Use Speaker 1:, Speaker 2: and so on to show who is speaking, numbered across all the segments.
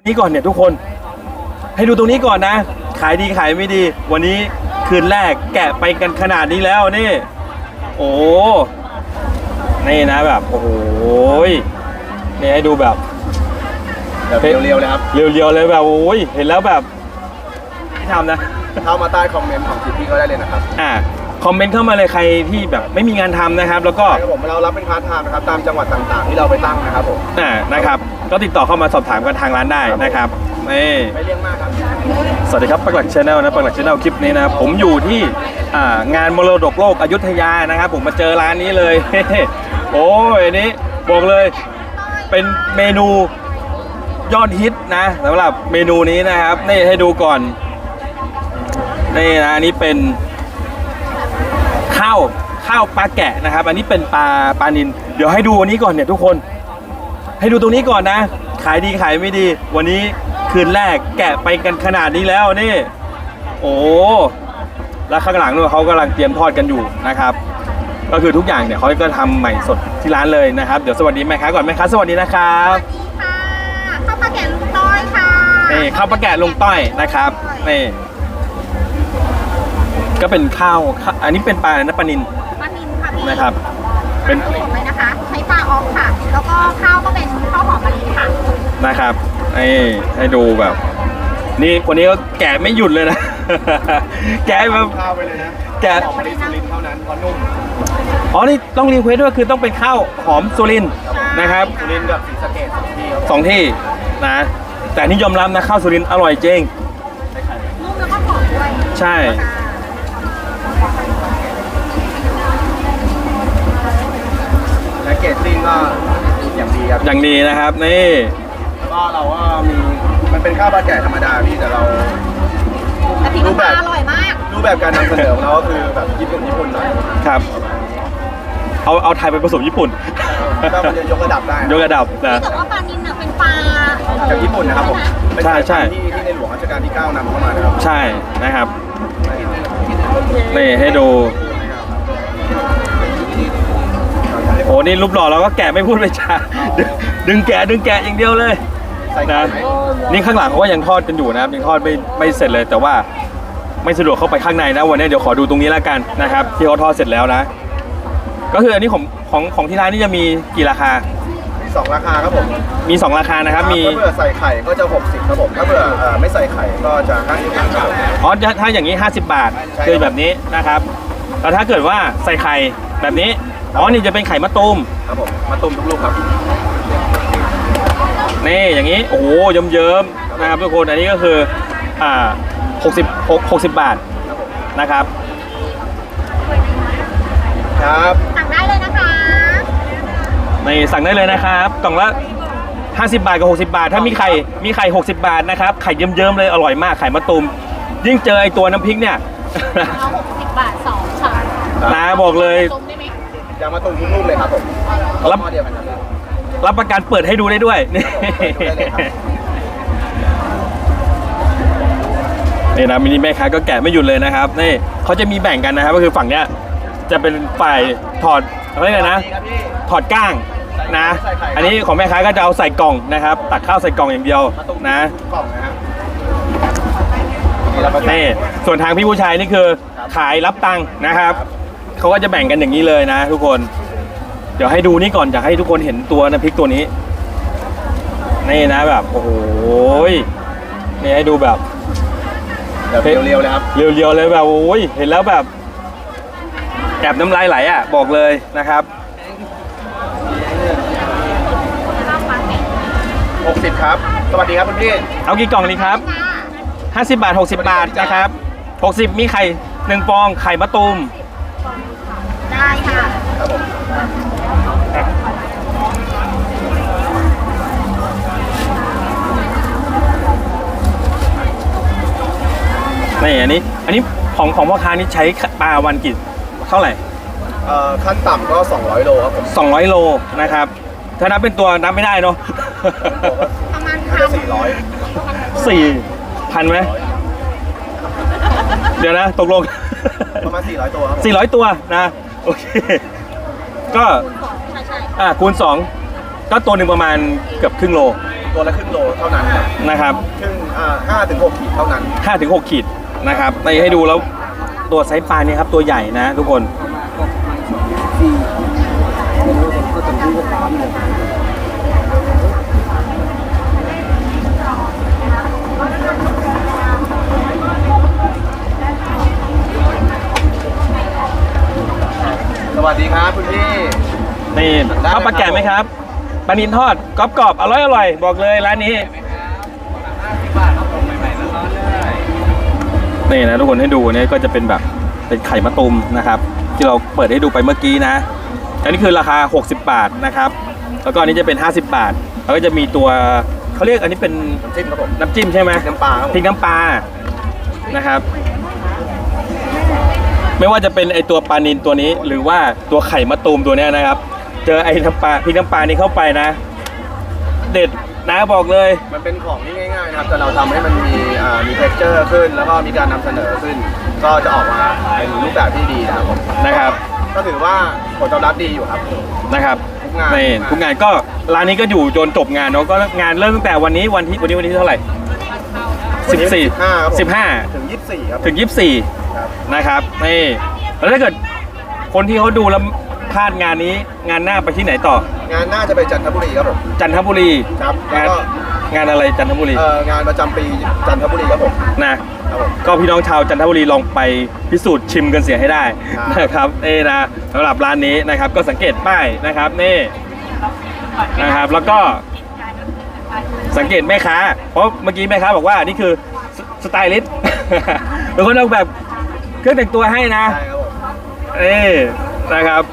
Speaker 1: นี้ก่อนเนี่ยทุกคนให้ดูตรงนี้ก่อนนะขายดีขายไม่ดีวันนี้คืนแรกแกะไปกันขนาดนี้แล้วนี่โอ้นี่นะแบบโอ้โหนี่ให้ดูแบบ
Speaker 2: เรียวๆเลยครับ
Speaker 1: เรียวๆเลยแบบโอ้ยเห็นแล้วแบบที่ทำนะ
Speaker 2: เข้ามาใต้คอมเมนต์ของคลิปพี่ก็ได้เลยนะครับ
Speaker 1: คอมเมนต์เข้ามาเลยใครที่แบบไม่มีงานทำนะครับแล้วก็
Speaker 2: เรารับเป็นพาร์ทไทม์นะครับตามจังหวัดต่างๆที่เราไปตั้งนะครับผม
Speaker 1: นะครับก็ติดต่อเข้ามาสอบถามกันทางร้านได้นะครับ
Speaker 2: ไม่เลี่ยงมากครับ
Speaker 1: สวัสดีครับปักหลักชาแนลนะปักหลักชาแนลคลิปนี้นะผมอยู่ที่งานมรดกโลกอยุธยานะครับผมมาเจอร้านนี้เลย โอ้ยอันนี้บอกเลยเป็นเมนูยอดฮิตนะสำหรับเมนูนี้นะครับนี่ให้ดูก่อนนี่นะอันนี้เป็นข้าวปลาแกะนะครับอันนี้เป็นปลานิลเดี๋ยวให้ดูวันนี้ก่อนเนี่ยทุกคนให้ดูตรงนี้ก่อนนะขายดีขายไม่ดีวันนี้คืนแรกแกะไปกันขนาดนี้แล้วนี่โอ้แล้วข้างหลังด้วยเขากำลังเตรียมทอดกันอยู่นะครับก็คือทุกอย่างเนี่ยเขาก็ทำใหม่สดที่ร้านเลยนะครับเดี๋ยวสวัสดีแม่ค้าก่อนแม่ค้าสวัสดีนะครับ
Speaker 3: สวัสดีค่ะข้าวปลาแกะลุงต้อยค่ะ
Speaker 1: นี่ข้าวปลาแกะลุงต้อยนะครับนี่ก็เป็นข้าวอันนี้เป็นปลาอะไรนะปลานิล
Speaker 3: ค่ะพี่
Speaker 1: นะครับ
Speaker 3: เป็นสดเลยนะคะใช้ปลาออกค่ะแล้วก็ข้าวก็เป็นข้าวหอมมะลิค่ะ
Speaker 1: นะครับให้ดูแบบนี่คนนี้ก็แกะไม่หยุดเลยนะ แกะแบบ
Speaker 2: ข้าวไปเลยนะ
Speaker 1: แกะ
Speaker 2: หอมมะลิสุรินทร์เท่านั้นเพราะนุ่ม
Speaker 1: อ๋อนี่ต้องรีเควสด้วยคือต้องเป็นข้าวหอมสุรินทร์นะครับ
Speaker 2: สุรินทร์กับศรีสะเกษ
Speaker 1: สองที่นะแต่นี่ยอมรับนะข้าวสุรินทร์อร่อยจริง
Speaker 3: นุ่มแล้วก็หอมด้วย
Speaker 1: ใช่
Speaker 2: แพ็กเกจจิ้งก็อย่างดีครับ
Speaker 1: อย่างดีนะครับนี่
Speaker 2: ก็เราก็มีมันเป็นข้าวปลาแกะธรรมดาพี่แต่เรา
Speaker 3: รูปแบบอร่อยมาก
Speaker 2: รูปแบบการนำเสนอของเราก็คือแบบญี่ปุ่นหน่อย
Speaker 1: ครับเอาไทยไปผสมญี่ปุ่น
Speaker 2: ก็มันจะยกระดับได้
Speaker 1: ยกระดับนะ
Speaker 3: แต่ว่าปลานิลน่ะเป็นปลา
Speaker 2: จากญี่ปุ่นนะครับผม
Speaker 1: ใช่
Speaker 2: ที่ในหลวงรัชกาลที่9นำเข้ามานะครับ
Speaker 1: ใช่นะครับนี่ให้ดูโอ้นี่รูปหล่อเราก็แกะไม่พูดไม่จาดึงแกะอย่างเดียวเลยนะนี่ข้างหลังเขาก็ยังทอดกันอยู่นะครับยังทอดไม่เสร็จเลยแต่ว่าไม่สะดวกเข้าไปข้างในนะวันนี้เดี๋ยวขอดูตรงนี้แล้วกันนะครับที่เขาทอดเสร็จแล้วนะก็คืออันนี้ของที่ร้านนี่จะมีกี่ราคา
Speaker 2: มี2ราคาครับผม
Speaker 1: มี2ราคานะครับมี
Speaker 2: ถ้าเผื่อใส่ไข่ก็จะ60ครับผมถ้าเผื่อไม่ใส่ไข่ก็จะ50บาท
Speaker 1: อ๋อถ้าอย่างนี้50บาทคือแบบนี้นะครับแล้วถ้าเกิดว่าใส่ไข่แบบนี้อ๋อนี่จะเป็นไข่มะตูม
Speaker 2: ครับผมมะตูมทุกลูกครับ
Speaker 1: นี่อย่างนี้โอ้โหเยิ้มๆนะครับทุกคนอันนี้ก็คือ60บาทนะครับ
Speaker 2: ครับ
Speaker 3: สั่งได้เลยนะคะ
Speaker 1: นี่สั่งได้เลยนะครับกล่องละ50บาทกับ60บาทถ้ามีไข่60บาทนะครับไข่เยิ้มๆเลยอร่อยมากไข่มะตูมยิ่งเจอไอตัวน้ำพริกเนี่ย
Speaker 3: เอา60บาท2ค่ะ
Speaker 1: นะบอกเลย
Speaker 2: ยางมะตูมทุกลูกเลยครับผม
Speaker 1: รับประกันเปิดให้ดูได้ด้วยนี่นะมินิแม่ค้าก็แกะไม่หยุดเลยนะครับนี่เขาจะมีแบ่งกันนะครับก็คือฝั่งเนี้ยจะเป็นฝ่ายถอดอะไรกันนะถอดก้างนะอันนี้ของแม่ค้าก็จะเอาใส่กล่องนะครับตักข้าวใส่กล่องอย่างเดียวนะนี่ส่วนทางพี่ผู้ชายนี่คือขายรับตังค์นะครับเขาก็จะแบ่งกันอย่างนี้เลยนะทุกคนเดี๋ยวให้ดูนี่ก่อนอยากให้ทุกคนเห็นตัวน้ำพริกตัวนี้นี่นะแบบโอ้โหนี่ให้ดูแบบ
Speaker 2: เรียวๆเลยครับ
Speaker 1: เรียวๆเลยแบบโอ้ยเห็นแล้วแบบแอบน้ำลายไหลอ่ะบอกเลยนะครับ
Speaker 2: 60ครับสวัสดีครับคุณพี่
Speaker 1: เอากี่กล่องนี้ครับ50บาท60บาทนะครับ60มีไข่1ฟองไข่มะตูม
Speaker 3: ได้ค่ะ
Speaker 2: ครับผม
Speaker 1: นี่อันนี้ของพ่อค้านี่ใช้ปลาวันกี่เท่าไหร่
Speaker 2: ขั้นต่ำก็200โลครับผม
Speaker 1: 200โลนะครับถ้านับเป็นตัวนับไม่ได้เนาะ
Speaker 3: ประมาณ
Speaker 1: 4,000ไหมเดี๋ยวนะตกลง
Speaker 2: ประมาณ400ตัวครับ
Speaker 1: 400ตัวนะโอเคก็คูณ2ก็ตัวหนึ่งประมาณเกือบครึ่งโล
Speaker 2: ตัวละครึ่งโลเท่านั้นครับ
Speaker 1: นะครับ
Speaker 2: ครึ่ง5 ถึง 6 ขีดเท่านั้น
Speaker 1: 5-6 ขีดนะครับไปให้ดูแล้วตัวไซส์ปลาเนี่ยครับตัวใหญ่นะทุกคน
Speaker 2: สวัสดีครับคุณพี่
Speaker 1: นี่ข้าวปลาแกะไหมครับปลานินทอดกรอบๆอร่อยๆบอกเลยร้านนี้นี่นะทุกคนให้ดูเนี่ยก็จะเป็นแบบเป็นไข่มะตูมนะครับ ที่เราเปิดให้ดูไปเมื่อกี้นะอันนี้คือราคา60 บาทนะครับแล้วก็อันนี้จะเป็น50 บาทแล้วก็จะมีตัวเขาเรียกอันนี้เป็น
Speaker 2: น้ำจิ้มครับผม
Speaker 1: น้ำจิ้มใช่ไหม
Speaker 2: น้ำปลาครับผม
Speaker 1: พริกน้ำปลานะครับ ไม่ว่าจะเป็นไอตัวปลานิลตัวนี้หรือว่าตัวไข่มะตูมตัวเนี้ยนะครับ เจอไอ้น้ำปลาพริกน้ำปลานี้เข้าไปนะ เด็ดนะบอกเลย
Speaker 2: มันเป็นของที่ง่ายๆนะครับแต่เราทำให้มันมี texture ขึ้น แล้วก็มีการนำเสนอขึ้น ก็จะออกมาเป็นรูปแบบที่ดีนะครับผม
Speaker 1: นะครับ
Speaker 2: ก็ถือว่าผลตอบรับดีอยู่ครับ
Speaker 1: นะครับ
Speaker 2: ทุกงาน
Speaker 1: นี่ทุกงานก็ร้านนี้ก็อยู่จนจบงานเนาะก็งานเริ่มตั้งแต่วันนี้วันที่เท่าไหร่
Speaker 2: วันนี้15ครับผม
Speaker 1: 15
Speaker 2: ถึง 24 ครับ
Speaker 1: ถึง 24
Speaker 2: ครับ
Speaker 1: นะครับนี่แล้วถ้าเกิดคนที่เขาดูแล้วพลาดงานนี้งานหน้าไปที่ไหนต่อ
Speaker 2: งานน่าจะไปจันทบุรีครับผม
Speaker 1: จันทบุรี
Speaker 2: ครับ
Speaker 1: งาน
Speaker 2: แล้วก็
Speaker 1: งานอะไรจันทบุรี
Speaker 2: งานประจำปีจันทบุรีครับผม
Speaker 1: นะครับ
Speaker 2: ผม
Speaker 1: ก็พี่น้องชาวจันทบุรีลองไปพิสูจน์ชิมกันเสียให้ได้
Speaker 2: ครับ
Speaker 1: นะครับนะสำหรับร้านนี้นะครับก็สังเกตป้ายนะครับนี่นะครับแล้วก็สังเกตแม่ค้าเพราะเมื่อกี้แม่ค้าบอกว่านี่คือสไตลิสต์ เป็นคนออกแบบเครื่องแต่งตัวให้นะ
Speaker 2: ใช่ครับผม
Speaker 1: นะครับ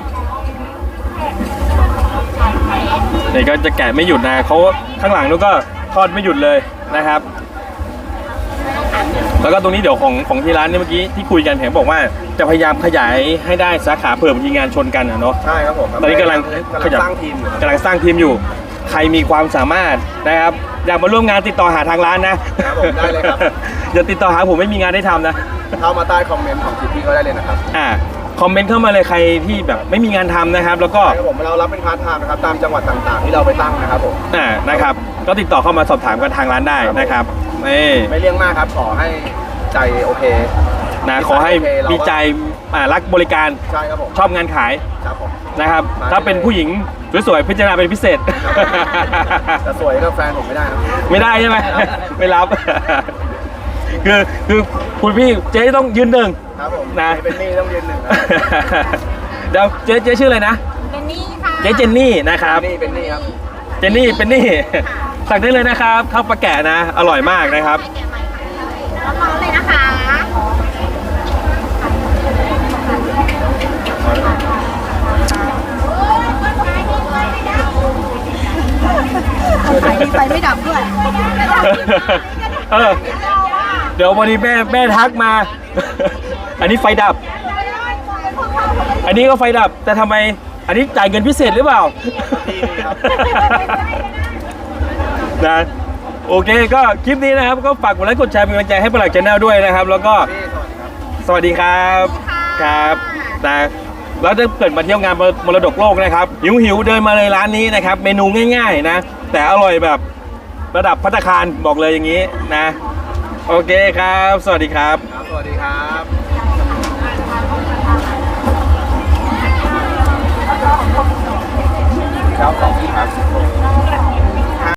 Speaker 1: นี่ก็จะแกะไม่หยุดนะเขาข้างหลังนู้นก็ทอดไม่หยุดเลยนะครับ แล้วก็ตรงนี้เดี๋ยวของที่ร้านเนี่ยเมื่อกี้ที่คุยกันเห็นบอกว่าจะพยายามขยายให้ได้สาขาเผื่อบางทีงานชนกันอะเนาะ
Speaker 2: ใช่ครับผม
Speaker 1: ตอนนี้กำลัง
Speaker 2: สร้างทีมอยู่ครับ
Speaker 1: กำลังสร้างทีมอยู่ ใครมีความสามารถนะครับอยากมาร่วมงานติดต่อหาทางร้านนะครับ
Speaker 2: ผมได้เลยครับ
Speaker 1: อย่าติดต่อหาผมไม่มีงานได้ทำนะ
Speaker 2: เข้ามาใต้คอมเมนต์ของคลิปพี่ก็ได้เลยนะครับ
Speaker 1: คอมเมนต์เข้ามาเลยใครที่แบบไม่มีงานทำนะครับ แล้วก็
Speaker 2: ใช่ครับผมเรารับเป็นพาร์ทไทม์นะครับตามจังหวัดต่างๆ ที่เราไปตั้งนะครับผม
Speaker 1: นะครับก็ติดต่อเข้ามาสอบถามกันทางร้านได้นะครับนี่
Speaker 2: ไม่เลี่ยงมากครับขอให้ใจโอเค
Speaker 1: นะขอให้มีใจรักบริการ
Speaker 2: ใช่ครับผม
Speaker 1: ชอบงานขาย
Speaker 2: ครับผม
Speaker 1: นะครับ ถ้าเป็นผู้หญิงสวยๆพิจารณาเป็นพิเศษ
Speaker 2: แต่สวยก็แฟนผมไม่ได้นะ
Speaker 1: ไม่ได้ใช่ไหม ไม่รับ คือคุณพี่เจ๊ต้องยืนหนึ่ง
Speaker 2: ครับผม
Speaker 1: นะ
Speaker 2: เป็นหนี่ต้องยืนหนึ่งครับ
Speaker 1: เดี๋ยวเจ๊ชื่ออะไรนะ
Speaker 3: เป็นนี่ค่ะ
Speaker 1: เจ๊เจนนี่นะครับ
Speaker 2: เป็นหนี่ครับ
Speaker 1: เจนนี่เป็นนี่ สั่งได้เลยนะครับข้าวปลาแกะนะ อร่อยมากนะครับ
Speaker 3: แกะใหม่ค่ะร้อนๆเลยนะคะไฟไม่ดับด้วย
Speaker 1: เออเดี๋ยววันนี้แม่ทักมา อันนี้ไฟดับ อันนี้ก็ไฟดับ แต่ทำไม อันนี้จ่ายเงินพิเศษหรือเปล่า
Speaker 2: ที่นี่ครับ
Speaker 1: นะ โอเคก็คลิปนี้นะครับ ก็ฝากกดไลค์กดแชร์เป็นกำลังใจให้ปลักชาแนลด้วยนะครับ แล้วก็
Speaker 2: พี่สวัสดีครับ
Speaker 1: สวัสดีครับครับนะแล้วถ้าเกิดมาเที่ยวงานมรดกโลกนะครับหิวเดินมาเลยร้านนี้นะครับ เมนูง่ายๆนะ แต่อร่อยแบบระดับภัตตาคารบอกเลยอย่างนี้นะ โอเคครับ สวัสดีครับ
Speaker 2: ครับสวัสดีครับครับขอบคุณครับ